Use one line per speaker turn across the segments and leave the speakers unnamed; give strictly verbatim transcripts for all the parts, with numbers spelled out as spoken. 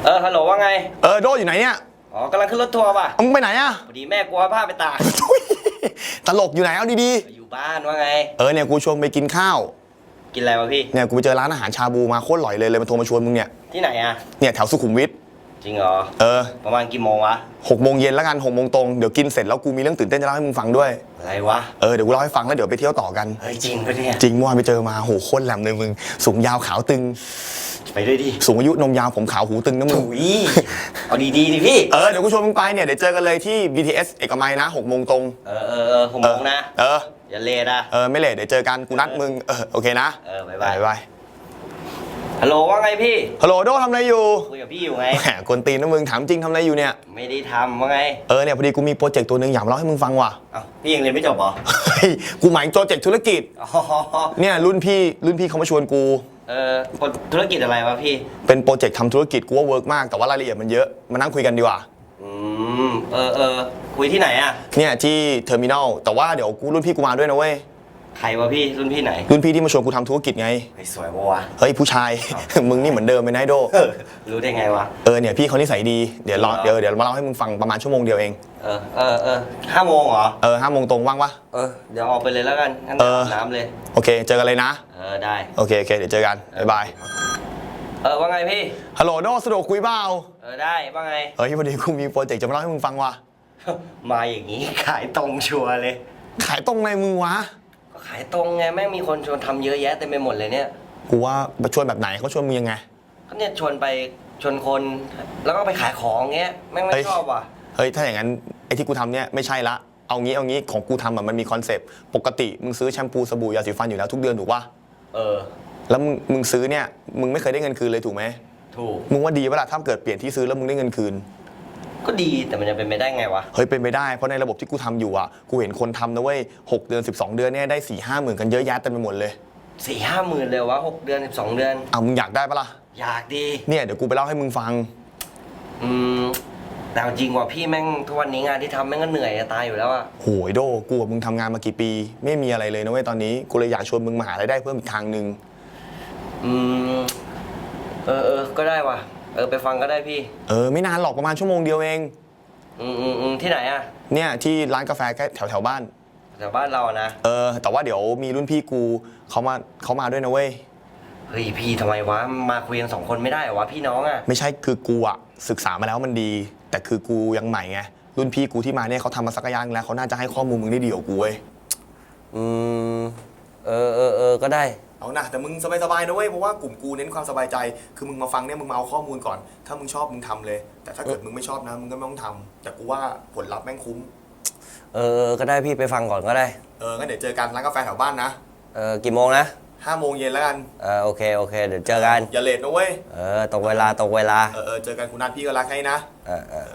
เออฮัลโหลว่าไง
เออโดอยู่ไหนเนี่ย
อ๋อกำลังขึ้นรถทัวร์ป่ะ
มึงไปไหนอะ
พอดีแม่กลัวผ้าไปตาก
ตลกอยู่ไหนเอาดี
ๆอยู่บ้านว่าไง
เออเนี่ยกูชวนไปกินข้าว
กินอะไรวะพี่
เนี่ยกูไปเจอร้านอาหารชาบูมาโคตรอร่อยเลยเลยมาโทรมาชวนมึงเนี่ย
ที่ไหนอะ
เนี่ยแถวสุขุมวิท
จริงเหรอ
เออ
ประมาณกี่โมงวะ
หกโมงเย็นแล้วกันหกโมงตรงเดี๋ยวกินเสร็จแล้วกูมีเรื่องตื่นเต้นจะเล่าให้มึงฟังด้วย
อะไรวะ
เออเดี๋ยวกูเล่าให้ฟังแล้วเดี๋ยวไปเที่ยวต่อกัน
เฮ้ยจริงปะเนี่ย
จริงเมื่อวานไปเจอมาโหโคตรแหลมเลยมึงสูงยาวขาวตึง
ไปด้วยดิ
สูงอายุนมยาวผมขาวหูตึงนะมึง
เอาดีๆดิพี่
เออเดี๋ยวกูชวนมึงไปเนี่ยเดี๋ยวเจอกันเลยที่ บี ที เอส เอกมัยนะหกโมงตรง
เออเออเออหกโมงนะ
เออ
อย่าเลทนะ
เออไม่เลทเดี๋ยวเจอกันกูนัดมึงเออโอเคนะ
เออบ๊ายบาย
บ๊ายบาย
ฮัลโหลว่าไงพี่
ฮัลโหลโดทำอะไรอยู่
คุยกับพี่อยู่ไง
แหมกวนตีนนะมึงถามจริงทำอะไรอยู่เนี่ย
ไม่ได้ทำว่าไง
เออเนี่ยพอดีกูมีโปรเจกต์ตัวหนึ่งอยากเล่าให้มึงฟังว่ะ
อ้าวพี่ยังเรียนไม่จบเหรอ
เฮ้ยกูหมายถึงโปรเจกต์ธุรกิจเนี่ยรุ่นพี่รุ่นพี่เขามาชวนกู
เออธุรกิจอะไรวะพี่
เป็นโปรเจกต์ทำธุรกิจกูว่าเวิร์กมากแต่ว่ารายละเอียดมันเยอะมานั่งคุยกันดีกว่า
อืมเออเออคุยที่ไหนอะ
เนี่ยที่เทอร์มินอลแต่ว่าเดี๋ยวกูรุ่นพี่กูมาด้วยนะเว้ย
ใครวะพี่รุ่นพี่ไหน
รุ่นพี่ที่มาชวนกูทำธุรกิจไง
ไอ้สวยปะวะ
เฮ้ยผู้ชายมึงนี่เหมือนเดิมไหมนายโด
รู้ได้ไงวะ
เออเนี่ยพี่เขานิสัยดีเดี๋ยวรอเดี๋ยวเดี๋ยวมาเล่าให้มึงฟังประมาณชั่วโมงเดียวเอง
เออเออเออห้าโมงเหรอ
เออห้าโมงตรงว่างปะ
เออเดี๋ยวออกไปเลยแล้วกันงั้นน้ำเลย
โอเคเจอกันเลยนะ
เออได้
โอเคโอเคเดี๋ยวเจอกันบ๊ายบาย
เออว่าไงพี่
ฮัลโหลโดสะดวกคุยเปล่า
เออได้ว่าไง
เฮ้ยพอดีกูมีโปรเจกต์จะมาเล่าให้มึงฟังว่ะ
มาอย่างนี้ขายตรงชัวร์เลย
ขายตรงในมึงวะ
ก็ขายตรงไงแม่งมีคนชวนทำเยอะแยะเต็มไปหมดเลยเนี่ย
กูว่าชวนแบบไหนเขาชวนมึงยังไง
ก็เนี่ยชวนไปชวนคนแล้วก็ไปขายของเงี้ยแม่งไม่ชอบว่ะ
เฮ้ยถ้าอย่างนั้นไอ้ที่กูทำเนี่ยไม่ใช่ละเอางี้เอางี้ของกูทำอะมันมีคอนเซปต์ปกติมึงซื้อแชมพูสบู่ยาสีฟันอยู่แล้วทุกเดือนถูกป่ะ
เออ
แล้วมึงมึงซื้อเนี่ยมึงไม่เคยได้เงินคืนเลยถูกไหม
ถูก
มึงว่าดีป่ะล่ะถ้าเกิดเปลี่ยนที่ซื้อแล้วมึงได้เงินคืน
ก็ดีแต่มันจะเป็นไปได้ไงวะ
เฮ้ยเป็นไปได้เพราะในระบบที่กูทำอยู่อ่ะกูเห็นคนทำนะเว้ยหกเดือนสิบสองเดือนเนี่ยได้สี่ห้าหมื่นกันเยอะแยะเต็มไปหมดเลย
สี่ห้าหมื่นเลยวะหกเดือนสิบสองเดือน
อ้าวมึงอยากได้ปะล่ะ
อยากดี
เนี่ยเดี๋ยวกูไปเล่าให้มึงฟัง
อืมแต่จริงว่ะพี่แม่งทุกวันนี้งานที่ทำแม่งก็เหนื่อยจะตายอยู่แล้วอะ
โหยโดกูกับมึงทำงานมากี่ปีไม่มีอะไรเลยนะเว้ยตอนนี้กูเลยอยากชวนมึงมาหารายได้เพิ่มอีกทางนึง
อืมเออเออก็ได้ว่ะเออไปฟังก็ได้พี่
เออไม่นานหรอกประมาณชั่วโมงเดียวเอง
อืมอืมอืมที่ไหนอะ
เนี่ยที่ร้านกาแฟใกล้แถวแถวบ้าน
แถวบ้านเรานะ
เออแต่ว่าเดี๋ยวมีรุ่นพี่กูเขามาเขามาด้วยนะเว้ย
เฮ้ยพี่ทำไมวะมาคุยกันสองคนไม่ได้เหรอวะพี่น้องอะ
ไม่ใช่คือกูอะศึกษามาแล้วมันดีแต่คือกูยังใหม่ไงรุ่นพี่กูที่มาเนี่ยเขาทำมาสักอย่างแล้วเขาน่าจะให้ข้อมูลมึงได้ดีกว่ากูเว้ย
อืมเออเออเออก็ได้
เอานะแต่มึงสบายๆนะเว้ยเพราะว่ากลุ่มกูเน้นความสบายใจคือมึงมาฟังเนี่ยมึงมาเอาข้อมูลก่อนถ้ามึงชอบมึงทำเลยแต่ถ้าเกิดมึงไม่ชอบนะมึงก็ไม่ต้องทำแต่กูว่าผลลัพธ์แม่งคุ้ม
เออก็ได้พี่ไปฟังก่อนก็ได้
เอองั้นเดี๋ยวเจอกันร้านกาแฟแถวบ้านนะ
เออกี่โมงนะ
ห้าโมงเย็นแล้วกัน
เออโอเคโอเคเดี๋ยวเจอกัน
อย่าเลทนะเว้ย
เออตรงเวลาตรงเวลา
เออเออเจอกันคุณนัทพี่ก็รักให้นะ
เออเออ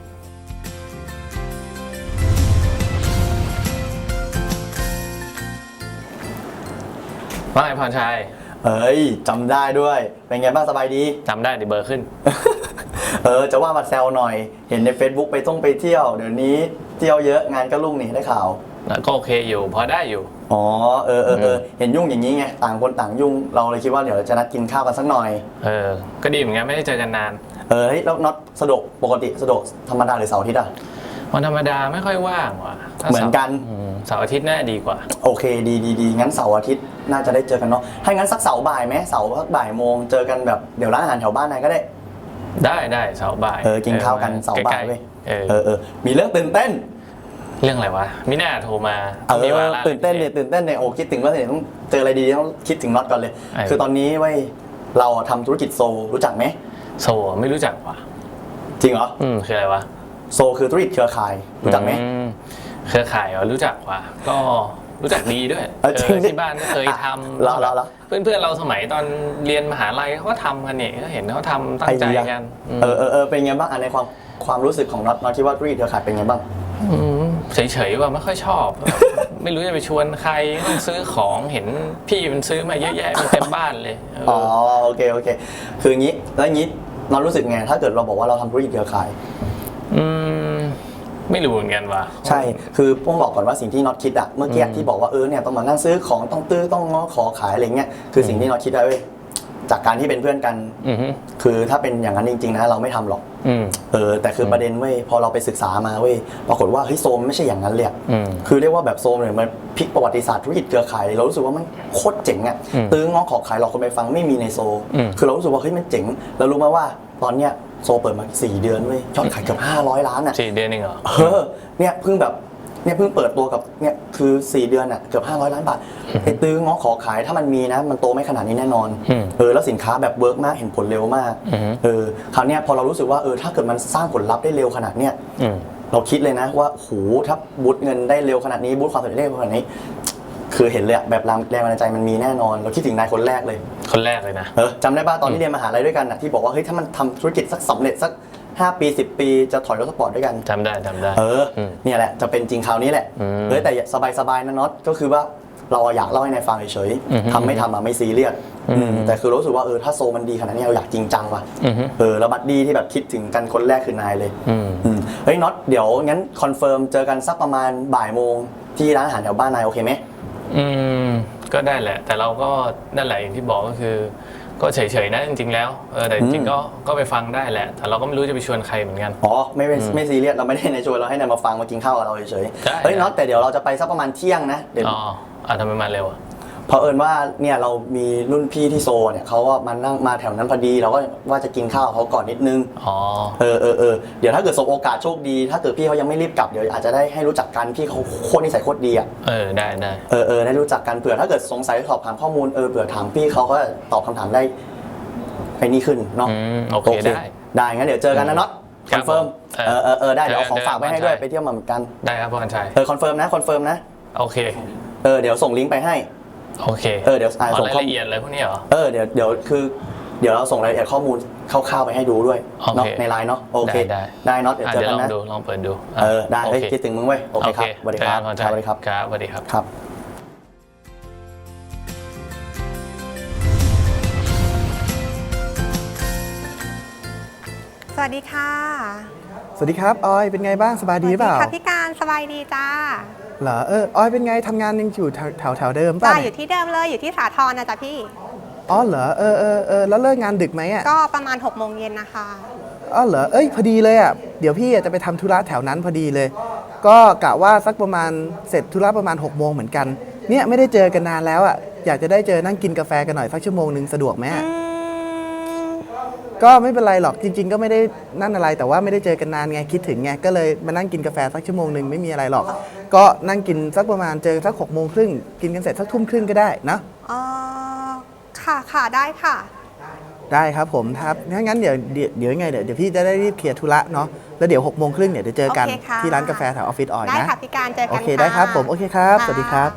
ว่าไงพรชัย
เฮ้ยจำได้ด้วยเป็นไงบ้างสบายดี
จำได้ดิเบอร์ขึ้น
เออจะว่ามาแซวหน่อยเห็นใน Facebook ไปต้องไปเที่ยวเดี๋ยวนี้เที่ยวเยอะงานก็รุ่งนี่ได้ข่าว
แล้วก็โอเคอยู่พอได้อยู่
อ๋อเออเออเออเห็นยุ่งอย่างนี้ไงต่างคนต่างยุ่งเราเลยคิดว่าเดี๋ยวจะนัดกินข้าวกันสักหน่อย
เออก็ดีเหมือนกันไม่ได้เจอกันนาน
เออแล้วน็อตสะดวกปกติสะดวกธรรมดาหรือเสาร์อาทิตย์อ่ะ
วันธรรมดาไม่ค่อยว่างว่ะ
เหมือนกัน
เสาร์อาทิตย์น่าดีกว่า
โอเคดีดีดีงั้นเสาร์อาทิตย์น่าจะได้เจอกันเนาะให้งั้นสักเสาร์บ่ายไหมเสาร์สักบ่ายโมงเจอกันแบบเดี๋ยวร้านอาหารแถวบ้านนายก็ได้
ได้ได้เสาร์บ่าย
เออกินข้าวกันเสาร์บ่ายเว้ย
เออ
เออมีเรื่องตื่นเต้น
เรื่องอะไรวะมิน่าโทรมา
เออตื่นเต้นเนี่ยตื่นเต้นเนี่ยโอ้คิดถึงว่าเนี่ยต้องเจออะไรดีต้องคิดถึงน็อตก่อนเลยคือตอนนี้เว้ยเราทำธุรกิจโซรู้จักไหม
โซไม่รู้จักว่ะ
จริงเหรอ
อืมคืออะไรวะ
โซคือธุรกิจเครือข่ายรู้จักไหม
เครือข่ายเหรอรู้จักว่ะก็รู้จักดีด้วยที่บ้านก็เคยทำ
แล้วแล้ว
เพื่อนเพื่อนเราสมัยตอนเรียนมหาลัยเขาก็ทำกันเนี่ยก็เห็นเขาทำตั้งใจกัน
เออเออเออเป็นไงบ้างในความความรู้สึกของน็อตน็อตคิดว่าธุรกิจเครือข่ายเป็นไงบ้าง
เฉยๆว่าไม่ค่อยชอบไม่รู้จะไปชวนใครต้องซื้อของเห็นพี่มันซื้อมาเยอะแยะเต็มบ้านเลย
อ๋อโอเคโอเคคืออย่างนี้แล้วอย่างนี้น็อตรู้สึกไงถ้าเกิดเราบอกว่าเราทำธุรกิจเครือข่าย
อืมไม่รู้เหมือนกันว่ะ
ใช่คือต้องบอกก่อนว่าสิ่งที่น็อตคิดอะเมื่อกี้ที่บอกว่าเออเนี่ยต้องมานั่งซื้อของต้องตื้อต้องง้อขอขายอะไรเงี้ยคือสิ่งที่น็อตคิดได้เว้ยจากการที่เป็นเพื่อนกัน
อือฮึ
คือถ้าเป็นอย่างนั้นจริงๆนะเราไม่ทำหรอก
อืม
เออแต่คือประเด็นเว้ยพอเราไปศึกษามาเว้ยปรากฏว่าเฮ้ยโซมไม่ใช่อย่างนั้นเลยอะ
อืม
คือเรียกว่าแบบโซมเนี่ยมันพลิกประวัติศาสตร์ธุรกิจเครือข่ายเรารู้สึกว่ามันโคตรเจ๋งอะ
อืม
ตื้อง้อขอขายหลอกคนไปฟังไม่มีในโซ
อืม
คือเรารู้สึกว่าเฮ้ยมันเจ๋งแล้วรู้ไหมว่าตอนเนี้ยโซเปิดมาสี่เดือนเว้ยยอดขายเกือบห้าร้อยล้านอะ
สี่เดือนเองเหรอ
เออเนี่ยเพิ่งแบบเนี่ยเพิ่งเปิดตัวกับเนี่ยคือสี่เดือนอะเกือบห้าร้อยล้านบาทไอ้ตื้อง้อขอขายถ้ามันมีนะมันโตไม่ขนาดนี้แน่นอน
อืม
เออแล้วสินค้าแบบเวิร์กมากเห็นผลเร็วมาก
อือฮึ
เออคราวเนี้ยพอเรารู้สึกว่าเออถ้าเกิดมันสร้างผลลัพธ์ได้เร็วขนาดเนี้ย
อืม
เราคิดเลยนะว่าโหถ้าบูตเงินได้เร็วขนาดนี้บูตความสำเร็จได้เร็วขนาดนี้ คือเห็นเลยอะแบบแรงแรงบันดาลใจมันมีแน่นอน เราคิดถึงนายคนแรกเลย
คนแรกเลยนะ
เออจำได้ป่ะตอนที่เรียนมหาลัยด้วยกันอะที่บอกว่าเฮ้ยถ้ามันทำธุรกิจสักสำเร็จสักห้าปีสิบปีจะถอยรถสปอร์ตด้วยกัน
จำได้จำได้
เออ
อืม
เนี่ยแหละจะเป็นจริงคราวนี้แหละ
อืม
เออแต่สบายๆนะน็อตก็คือว่าเราอยากเล่าให้นายฟังเฉย
อือฮึ
ๆทำไม่ทำอะไม่ซีเรียส
อืม
อืมแต่คือรู้สึกว่าเออถ้าโซมันดีขนาดนี้เราอยากจริงจังว่ะ
อือฮึ
เออแล้วบัดดี้ที่แบบคิดถึงกันคนแรกคือนายเลย
อืม
อืมเฮ้ยน็อตเดี๋ยวงั้นคอนเฟิร์มเจอกันสักประมาณบ่ายโมงที่ร้านอาหารแถวบ้านนายโอเคไหม
อืมก็ได้แหละ แต่เราก็นั่นแหละอย่างที่บอกก็คือ ก็เฉยๆนะจริงๆแล้วเออแต่จริงๆก็ก็ไปฟังได้แหละ แต่เราก็ไม่รู้จะไปชวนใครเหมือนกัน
อ๋อไม่ไม่ไม่ซีเรียสเราไม่ได้ในชวนเราให้นายมาฟังมากินข้าวกับเราเฉย
ได้
ๆเฮ้ยน็อตแต่เดี๋ยวเราจะไปสักประมาณเที่ยงนะเดี๋ยว
อ๋ออ่ะทำไมมาเร็วอ่ะ
เพราะเอิญว่าเนี่ยเรามีรุ่นพี่ที่โซเนี่ยเขาก็มานั่งมาแถวนั้นพอดีเราก็ว่าจะกินข้าวกับเขาก่อนนิดนึง
อ๋อ
เออเออเออเดี๋ยวถ้าเกิดสบโอกาสโชคดี ถ้าเกิดพี่เขายังไม่รีบกลับเดี๋ยวอาจจะได้ให้รู้จักกันพี่เขาโคตรนิสัยโคตรดีอ่ะ
เออได้ได้
เออเออได้รู้จักกันเผื่อถ้าเกิดสงสัยสอบถามข้อมูลเออเผื่อถามพี่เขาก็ตอบคำถามได้ไปนี่ขึ้นเนาะ
อืมโอเคได้
ได้งั้นเดี๋ยวเจอกันนะน็อต
ค
ครับ อนเฟิร์ม
เออ
เออเออเออได้เดี๋ยวเอาของ
เจอกัน
ฝากไปให้ด้วย
เจอกัน
ไปเที่ยวมาเหมือนกัน
ได้ครับพ่อกันชัย
เออคอนเฟิร์มนะคอนเฟิร์มนะ
โอเค
เออเดี๋ยวส่งลิงก์ไปให้
โอเค
เออเดี๋ยวอ่า
อ๋อ
ส่ง
ราย
ข้อ
ละเอียดอะไรพวกนี้เหรอ
เออเดี๋ยวเดี๋ยวคือเดี๋ยวเราส่งรายละเอียดข้อมูลคร่าวๆไปให้ดูด้วย
โอเค
เนาะในไลน์เนาะโอเค
ได้
ได้น็อตเดี๋ยว
อ่ะ
เจอ
เดี๋ยว
กัน
ลอง
นะ
ดูลองเปิดดู
เออได้
โอ
เฮ้ย
เค
คิดถึงมึงเว้ยโอเคครับสวัสดีครับ
เจอกันพ่อ
สวัสดีครับ
ครับสวัสดีครับ
ครับ
สวัสดีค่ะ
สวัสดีครับออยเป็นไงบ้างสบายดีหรือเปล่า
สวัสค่ะพี่การสบายดีจ้า
เหรอเออออยเป็นไงทำงานยังอยู่แถวแถวแถวเดิม
จ้า
ป่ะ
อยู่ที่เดิมเลยอยู่ที่สาทรนะจ๊ะพี่
อ๋อเหรอเออเออเออแล้วเลิกงานดึกไหมอ่ะ
ก็ประมาณหกโมงเย็นนะคะ
อ๋อเหรอเอ้ยพอดีเลยอ่ะเดี๋ยวพี่อ่ะจะไปทำธุระแถวนั้นพอดีเลย ก็กะว่าสักประมาณเสร็จธุระประมาณหกโมงเหมือนกันเนี่ยไม่ได้เจอกันนานแล้วอ่ะอยากจะได้เจอนั่งกินกาแฟกันหน่อยสักชั่วโมงหนึ่งสะดวกไหมอะ
อืม
ก็ไม่เป็นไรหรอกจริง ๆ ก็ไม่ได้นั่นอะไรแต่ว่าไม่ได้เจอกันนานไงคิดถึงไงก็เลยมานั่งกินกาแฟสักชั่วโมงหนึ่งไม่มีอะไรหรอก ก็นั่งกินสักประมาณเจอสักหกโมงครึ่งกินกันเสร็จสักทุ่มครึ่งก็ได้นะ
อ๋อค่ะค่ะได้ค่ะ
ได้ครับผมครับถ้างั้นเดี๋ยวเดี๋ยวเดี๋ยวยังไงเดี๋ยวเดี๋ยวพี่จะได้รีบเคลียร์ธุระเนาะแล้วเดี๋ยวหกโมงครึ่งเนี่ยเดี๋ยวเจอกัน
โอเคค่ะ
ที่ร้านกาแฟแถวออฟฟิศออย
ได้
นะ
ค่ะพี่การเจอกัน
โอเคได้ครับ
ะ
ผมโอเคครับสวัสดีครับ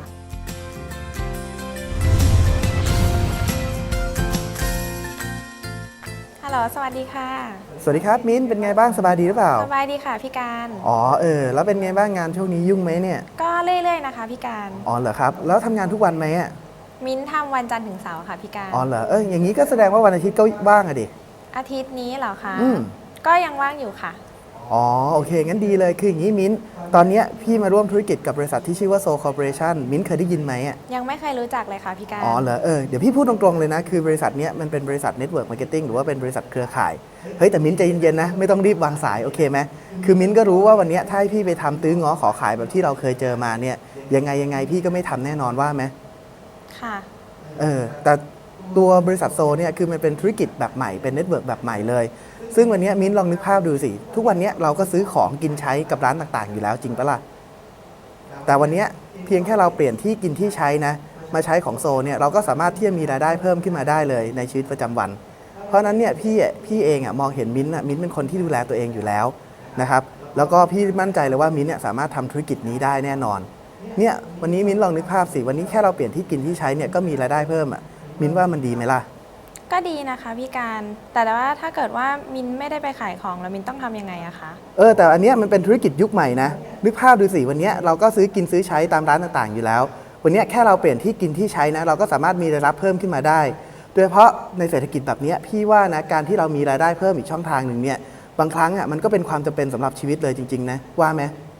ฮัลโหล สวัสดีค่ะ
สวัสดีครับมิ้นเป็นไงบ้างสบายดีหรือเปล่า
สบายดีค่ะพี่การ
อ๋อเออแล้วเป็นไงบ้างงานช่วงนี้ยุ่งไหมเนี่ย
ก็เรื่อยๆนะคะพี่การ
อ๋อเหรอครับแล้วทำงานทุกวันไหมอ่ะ
มิ้นท์ทำวันจันทร์ถึงเสาร์ค่ะพี่การ
อ๋อเหรอเอออย่างนี้ก็แสดงว่าวันอาทิตย์ก็ว่างอะดิ
อาทิตย์นี้เหรอคะ
อืม
ก็ยังว่างอยู่ค่ะ
อ๋อโอเคงั้นดีเลยคืออย่างนี้มิ้นตอนเนี้ยพี่มาร่วมธุรกิจกับบริษัทที่ชื่อว่าโซคอร์ปอเรชั่นมิ้นเคยได้ยินไหมอ่ะ
ยังไม่เคยรู้จักเลยค่ะพี่การ
อ๋อเหรอเออเดี๋ยวพี่พูดตรงๆเลยนะ คือบริษัทเนี้ยมันเป็นบริษัทเน็ตเวิร์กมาร์เก็ตติ้งหรือว่าเป็นบริษัทเครือข่าย เฮ้ยแต่มิ้นใจเย็นๆนะ ไม่ต้องรีบวางสายโอเคไหมคือมิ้นก็รู้ว่าวันเนี้ยถ้าให้พี่ไปทำตื้อง้อขอขายแบบที่เราเคยเจอมาเนี่ยยังไงยังไงพี่ก็ไม่ทำแน่นอนว่าไหม
ค่ะ
เออแต่ตัวบริษัทโซเนี่ยคือมันเป็นธุรกิจแบบใหม่เป็นเน็ตเวิร์กแบบใหม่เลย ซึ่งวันเนี้ยมิ้นลองนึกภาพดูสิทุกวันเนี้ยเราก็ซื้อของกินใช้กับร้านต่างๆอยู่แล้วจริงปะล่ะแต่วันเนี้ยเพียงแค่เราเปลี่ยนที่กินที่ใช้นะมาใช้ของโซเนี่ยเราก็สามารถที่จะมีรายได้เพิ่มขึ้นมาได้เลยในชีวิตประจำวัน เพราะฉะนั้นเนี่ยพี่อ่ะพี่เองอ่ะมองเห็นมิ้นท์อ่ะมิ้นท์เป็นคนที่ดูแลตัวเองอยู่แล้วนะครับแล้วก็พี่มั่นใจเลยว่ามิ้นท์เนี่ยสามารถทำธุรกิจนี้ได้แน่นอนเนี่ยวันนี้มิ้นท์ลองนึกภาพสิวันนี้แค่เราเปลี่ยนที่กินที่ใช้เนี่ยก็มีรายได้เพิ่มอ่ะมิ้นท์ว่ามันดีไหมล่ะ
ก็ดีนะคะพี่การ แต่ว่าถ้าเกิดว่ามิ้นไม่ได้ไปขายของแล้วมิ้นต้องทำยังไงอะคะ
เออแต่อันเนี้ยมันเป็นธุรกิจยุคใหม่นะนึกภาพดูสิวันเนี้ยเราก็ซื้อกินซื้อใช้ตามร้านต่างๆอยู่แล้ววันเนี้ยแค่เราเปลี่ยนที่กินที่ใช้นะเราก็สามารถมีรายรับเพิ่มขึ้นมาได้โดยเฉพาะในเศรษฐกิจแบบเนี้ยพี่ว่านะการที่เรามีรายได้เพิ่มอีกช่องทางหนึ่งเนี่ยบางครั้งอ่ะมันก็เป็นความจำเป็นสำหรับชีวิตเลยจริงๆนะว่าไหม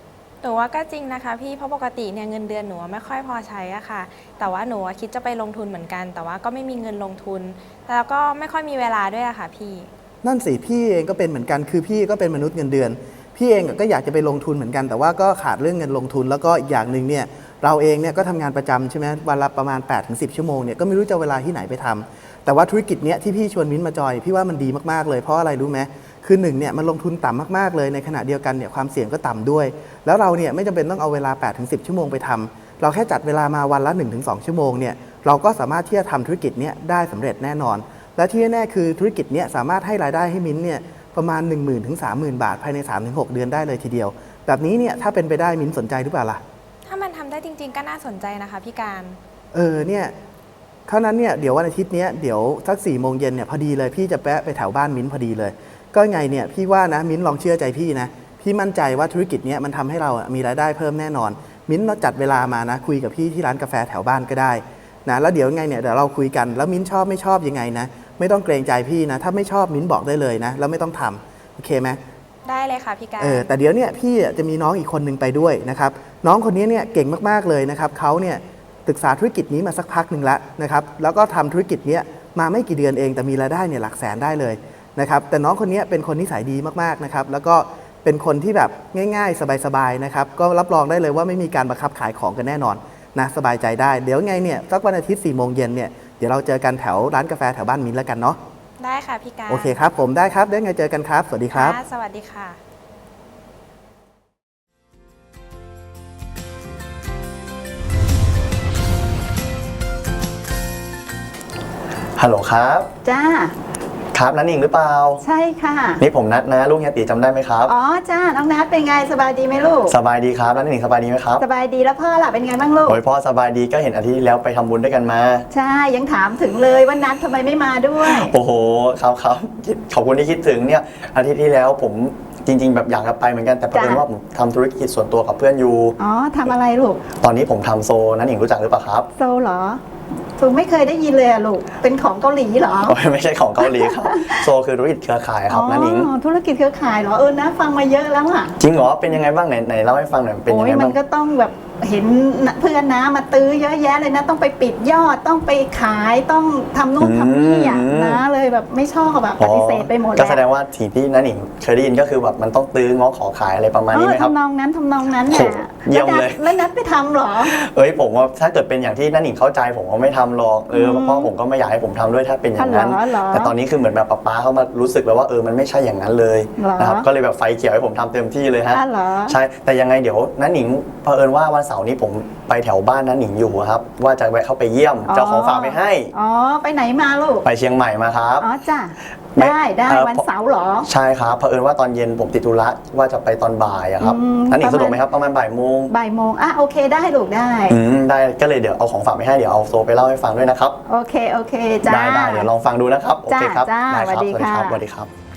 หนูว่าก็จริงนะคะพี่เพราะปกติเนี่ยเงินเดือนหนูไม่ค่อยพอใช้อะค่ะแต่ว่าหนูคิดจะไปลงทุนเหมือนกัน แต่ว่าก็ไม่มีเงินลงทุนแล้วก็ไม่ค่อยมีเวลาด้วยอะค่ะพี่
นั่นสิพี่เองก็เป็นเหมือนกันคือพี่ก็เป็นมนุษย์เงินเดือน พี่เองก็อยากจะไปลงทุนเหมือนกัน แต่ว่าก็ขาดเรื่องเงินลงทุนแล้วก็อีกอย่างหนึ่งเนี่ยเราเองเนี่ยก็ทำงานประจำใช่ไหมวันละประมาณ แปดถึงสิบ ชั่วโมงเนี่ยก็ไม่รู้จะเวลาที่ไหนไปทำแต่ว่าธุรกิจเนี้ยที่พี่ชวนมิ้นท์มาจอยพี่ว่ามันดีมากๆเลยเพราะอะไรรู้ไหมคือหนึ่งเนี่ยมันลงทุนต่ำมากๆเลยในขณะเดียวกันเนี่ยความเสี่ยงก็ต่ำด้วย แล้วเราเนี่ยไม่จำเป็นต้องเอาเวลา แปดถึงสิบ ชั่วโมงไปทำเราแค่จัดเวลามาวันละ หนึ่งถึงสอง ชั่วโมงเนี่ยเราก็สามารถที่จะทำธุรกิจเนี้ยได้สำเร็จแน่นอนและที่แน่ๆคือธุรกิจเนี้ยสามารถให้รายได้ให้มิ้นท์เนี่ยประมาณ หนึ่งหมื่น ถึง สามหมื่น บาทภายใน สามถึงหก เดือนได้เลยทีเดียวแบบนี้เนี่ยถ้าเป็นไปได้มิ้นท์สนใจหรือเปล่าล่ะ
ถ้ามันทำได้จริง ๆ ก็น่าสนใจนะคะพี่การ
เออเนี่ยเท่านั้นเนี่ยเดี๋ยววันอาทิตย์เนี้ยเดี๋ยวสักสี่โมงเย็นเนี่ยพอดีเลยพี่จะแปะไปแถวบ้านมิ้นท์พอดีเลยก็ไงเนี่ยพี่ว่านะมิ้นท์ลองเชื่อใจพี่นะพี่มั่นใจว่าธุรกิจเนี้ยมันทำให้เราอะมีรายได้เพิ่มแน่นอนมิ้นท์เราจัดเวลามานะคุยกับพี่ที่ร้านกาแฟแถวบ้านก็ได้นะแล้วเดี๋ยวไงเนี่ยเดี๋ยวเราคุยกันแล้วมิ้นท์ชอบไม่ชอบยังไงนะไม่ต้องเกรงใจพี่นะถ้าไม่ชอบมิ้นท์บอกได้เลยนะแล้วไม่ต้องทำโอเคไหม
ได้เลยค่ะพี่การ
เออแต่เดี๋ยวเนี่ยพี่จะมีน้องอีกคนหนึ่งไปด้วยนะครับน้องคนนี้เนี่ยเก่งมากๆเลยนะครับเขาเนี่ยศึกษาธุรกิจนี้มาสักพักหนึ่งแล้วนะครับแล้วก็ทำธุรกิจเนี้ยมาไม่กี่เดือนเองแต่มีรายได้เนี่ยหลักแสนได้เลยนะครับแต่น้องคนนี้เป็นคนนิสัยดีมากๆนะครับแล้วก็เป็นคนที่แบบง่ายๆ สบายๆนะครับก็รับรองได้เลยว่าไม่มีการบังคับขายของกันแน่นอนนะสบายใจได้เดี๋ยวไงเนี่ยสักวันอาทิตย์สี่โมงเย็นเนี่ยเดี๋ยวเราเจอกันแถวร้านกาแฟแถวบ้านมิ้นแล้วกันเนาะ
ได้ค่ะพี่การ
โอเคครับผมได้ครับเดี๋ยวไงเจอกันครับสวัสดีครับ
ค่ะสวัสดีค่ะ
ฮัลโหลครับ
จ้า
ครับนันหนิงหรือเปล่า
ใช่ค่ะ
นี่ผมนัดนะลูกเฮียตีจำได้ไหมครับ
อ๋อจ้าน้องนัทเป็นไงสบายดีไหมลูก
สบายดีครับนันหนิงสบายดีไหมครับ
สบายดีแล้วพ่อล่ะเป็นไงบ้างลูก
โอ้ยพ่อสบายดีก็เห็นอาทิตย์ที่แล้วไปทำบุญด้วยกันมา
ใช่ยังถามถึงเลยว่านัททำไมไม่มาด้วย
โอ้โหครับครับขอบคุณที่คิดถึงเนี่ยอาทิตย์ที่แล้วผมจริง ๆ แบบอยากจะไปเหมือนกันแต่เผอิญ
จ้ะ
ว่าผมทำธุรกิจส่วนตัวกับเพื่อนอยู่
อ๋อทำอะไรลูก
ตอนนี้ผมทำโซนันหนิงรู้จักหรือเปล่าครับ
โซเหรอถูกไม่เคยได้ยินเลยอะลูกเป็นของเกาหลีเหรอ
โอ้ยไม่ใช่ของเกาหลีครับโซคือธุรกิจเครือข่ายครับนันหนิง
อ๋อธุรกิจเครือข่ายเหรอเออนะฟังมาเยอะแล้วอะ
จริงเหรอเป็นยังไงบ้างไหนไหนเล่าให้ฟังหน่อยเป็น
โอ้
ยัง
ย
ไง
มั
บ้าน ง
ก็ต้องแบบเห็นเพื่อนนะมาตื้อเยอะแยะเลยนะต้องไปปิดยอดต้องไปขายต้องทำนู่นทำนี่อะนะเลยแบบไม่ชอบแบบปฏิเสธไปหมด
ก็
แล้ว
แสดงว่าสิ่งที่นันหนิงเคยได้ยินก็คือแบบมันต้องตื้อง้อขอขายอะไรประมาณนี้ไหมครับ
ทำนองนั้นทำนองนั้น
โอ้
น่ะ
เยี่ยมเลย
แล้วนัดไปทำเหรอ
เอ้ยผมว่าถ้าเกิดเป็นอย่างที่นันหนิงเข้าใจผมก็ไม่ทำหรอกเออ
อืม
เพราะผมก็ไม่อยากให้ผมทำด้วยถ้าเป็นอย่างนั้น
อ๋อเหรอ
แต่ตอนนี้คือเหมือนแบบป๊าป๊าเขามารู้สึกแล้วว่าเออมันไม่ใช่อย่างนั้นเลย
เหรอ
นะครับก็เลยแบบไฟเขียวให้ผมทำเต็มที่เลยฮะ
อ้าวเหรอ
ใช่แต่ยังไงเดี๋ยวนันหนิงเผอิญว่าวันเสาร์นี้ผมไปแถวบ้านนันหนิงอยู่ครับว่าจะแวะเข้าไปเยี่ยมจะเอาของฝากไปให้
อ๋อไปไหนมาลูก
ไปเชียงใหม่มาครับ
อ๋อจ้ะ
ไม่
ได้ได้
เอ่อ
วันเสาร์เหรอ
ใช่ครับเผอิญว่าตอนเย็นผมติดธุระว่าจะไปตอนบ่ายอะครับ
อืม
นันหนิง
ประมาณ
สะดวกไหมครับประมาณบ่ายโมง
บ่ายโมงอ่ะโอเคได้ลูกได้
อืมได้ก็เลยเดี๋ยวเอาของฝากไปให้เดี๋ยวเอาโซไปเล่าให้ฟังด้วยนะครับ
โอเคโอเคจ้า
ได้ได้เดี๋ยวลองฟังดูนะครับ โอเคครับ
จ้า
ได้
สวัสดี
ครับ
ค่ะ
สวัสดีครับ